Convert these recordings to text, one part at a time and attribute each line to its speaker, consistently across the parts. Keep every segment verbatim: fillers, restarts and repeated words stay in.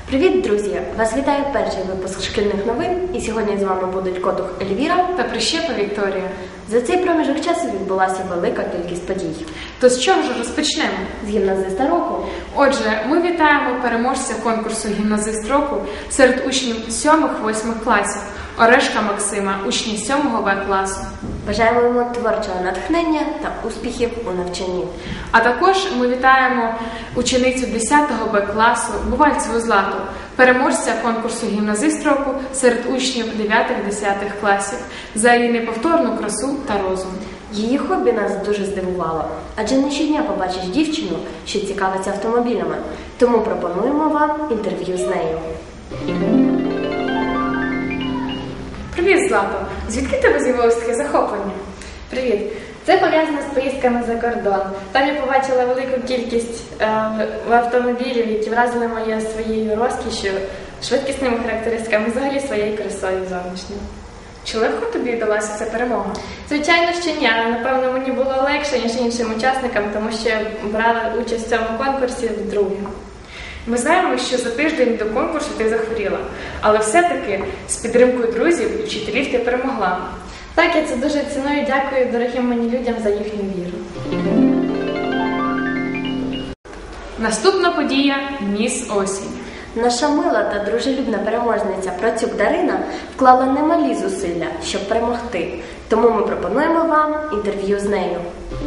Speaker 1: Привіт, друзі! Вас вітає перший випуск шкільних новин, і сьогодні з вами будуть Котух Ельвіра
Speaker 2: та Прищепа Вікторія.
Speaker 1: За цей проміжок часу відбулася велика кількість подій.
Speaker 2: То з чого ж розпочнемо?
Speaker 1: З гімназиста року.
Speaker 2: Отже, ми вітаємо переможця конкурсу «Гімназист року» серед учнів сьомих-восьмих класів Орешка Максима, учня сьомого Б класу.
Speaker 1: Бажаємо йому творчого натхнення та успіхів у навчанні.
Speaker 2: А також ми вітаємо ученицю десятого Б класу Бувальцеву Злату, переможця конкурсу «Гімназист року» серед учнів дев'ятих-десятих класів за її неповторну красу та розум.
Speaker 1: Її хобі нас дуже здивувало, адже не щодня побачиш дівчину, що цікавиться автомобілями. Тому пропонуємо вам інтерв'ю з нею.
Speaker 2: Привіт, Злато! Звідки тебе з'явилось таке захоплення?
Speaker 3: Привіт! Це пов'язано з поїздками за кордон. Там я побачила велику кількість е, автомобілів, які вразили мене своєю розкішшю, швидкісними характеристиками, взагалі своєю красою зовнішньою.
Speaker 2: Чи легко тобі вдалася ця перемога?
Speaker 3: Звичайно, що ні, але напевно мені було легше, ніж іншим учасникам, тому що я брала участь в цьому конкурсі вдруге.
Speaker 2: Ми знаємо, що за тиждень до конкурсу ти захворіла, але все-таки з підтримкою друзів і вчителів ти перемогла.
Speaker 3: Так, я це дуже ціную, дякую дорогим мені людям за їхню віру.
Speaker 2: Наступна подія – Міс Осінь.
Speaker 1: Наша мила та дружелюбна переможниця Процюк Дарина вклала немалі зусилля, щоб перемогти. Тому ми пропонуємо вам інтерв'ю з нею.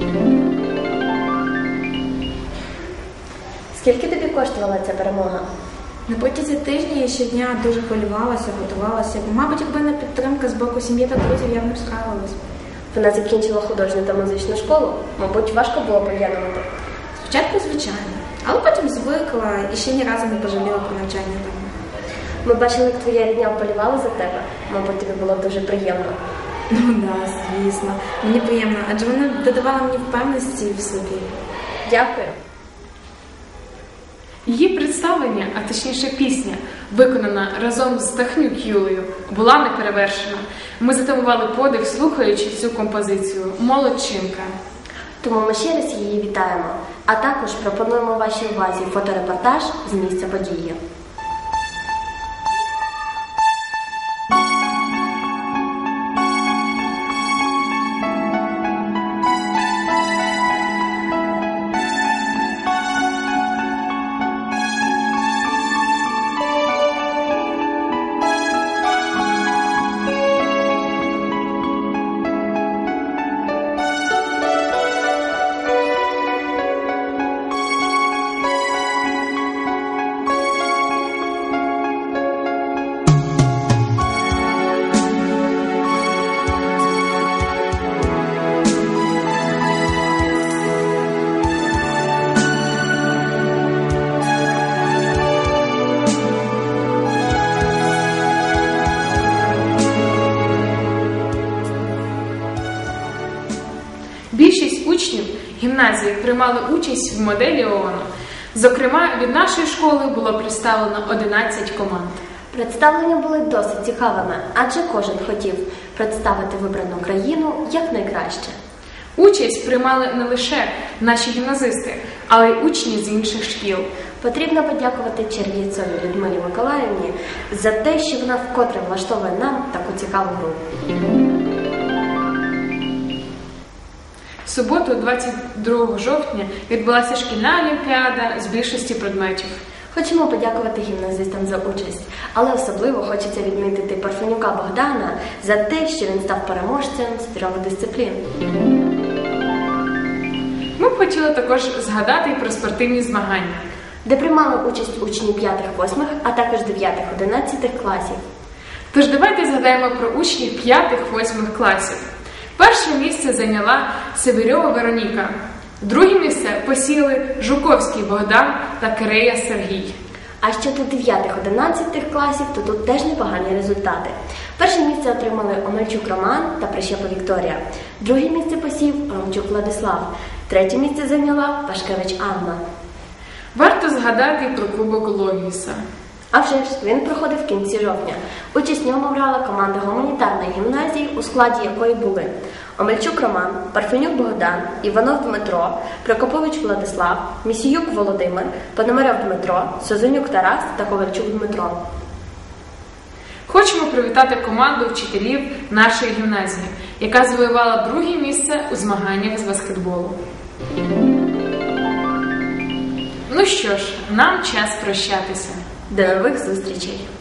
Speaker 1: Скільки тобі коштувала ця перемога?
Speaker 4: На протязі тижня я щодня дуже хвилювалася, готувалася. Мабуть, якби не підтримка з боку сім'ї та друзів, я б не справилась.
Speaker 1: Вона закінчила художню та музичну школу. Мабуть, важко було поєднувати.
Speaker 4: Спочатку, звичайно, але потім звикла і ще ні разу не пожаліла про навчання там.
Speaker 1: Ми бачили, як твоя рідня вболівала за тебе. Мабуть, тобі було дуже приємно.
Speaker 4: Ну так, звісно. Мені приємно, адже вона додавала мені впевненості в собі.
Speaker 1: Дякую.
Speaker 2: Її представлення, а точніше пісня, виконана разом з Тахнюк Юлею, була неперевершена. Ми затамували подих, слухаючи цю композицію «Молодчинка».
Speaker 1: Тому ми ще раз її вітаємо. А також пропонуємо вашій увазі фоторепортаж з місця події.
Speaker 2: Більшість учнів гімназії приймали участь в моделі ООН. Зокрема, від нашої школи було представлено одинадцять команд.
Speaker 1: Представлення були досить цікавими, адже кожен хотів представити вибрану країну якнайкраще.
Speaker 2: Участь приймали не лише наші гімназисти, але й учні з інших шкіл.
Speaker 1: Потрібно подякувати Черв'єцовій Людмилі Миколаївні за те, що вона вкотре влаштовує нам таку цікаву гру.
Speaker 2: В суботу, двадцять другого жовтня, відбулася шкільна олімпіада з більшості предметів.
Speaker 1: Хочемо подякувати гімназистам за участь, але особливо хочеться відмітити Парфенюка Богдана за те, що він став переможцем з трьох дисциплін.
Speaker 2: Ми б хотіли також згадати і про спортивні змагання,
Speaker 1: де приймали участь учні п'ятих-восьмих, а також дев'ятих-одинадцятих класів.
Speaker 2: Тож давайте згадаємо про учнів п'ятих-восьмих класів. Перше місце зайняла Северьова Вероніка. Друге місце посіли Жуковський Богдан та Кирея Сергій.
Speaker 1: А щодо дев'ятих-одинадцятих класів, то тут теж непогані результати. Перше місце отримали Омельчук Роман та Прищепа Вікторія. Друге місце посів Ромчук Владислав. Третє місце зайняла Пашкевич Анна.
Speaker 2: Варто згадати і про Кубок Логіса.
Speaker 1: А вже ж, він проходив в кінці жовтня. Участь в ньому брала команда гуманітарної гімназії, у складі якої були Омельчук Роман, Парфенюк Богдан, Іванов Дмитро, Прокопович Владислав, Місіюк Володимир, Пономарьов Дмитро, Созонюк Тарас та Ковальчук Дмитро.
Speaker 2: Хочемо привітати команду вчителів нашої гімназії, яка завоювала друге місце у змаганнях з баскетболу. Ну що ж, нам час прощатися.
Speaker 1: До нових зустрічей!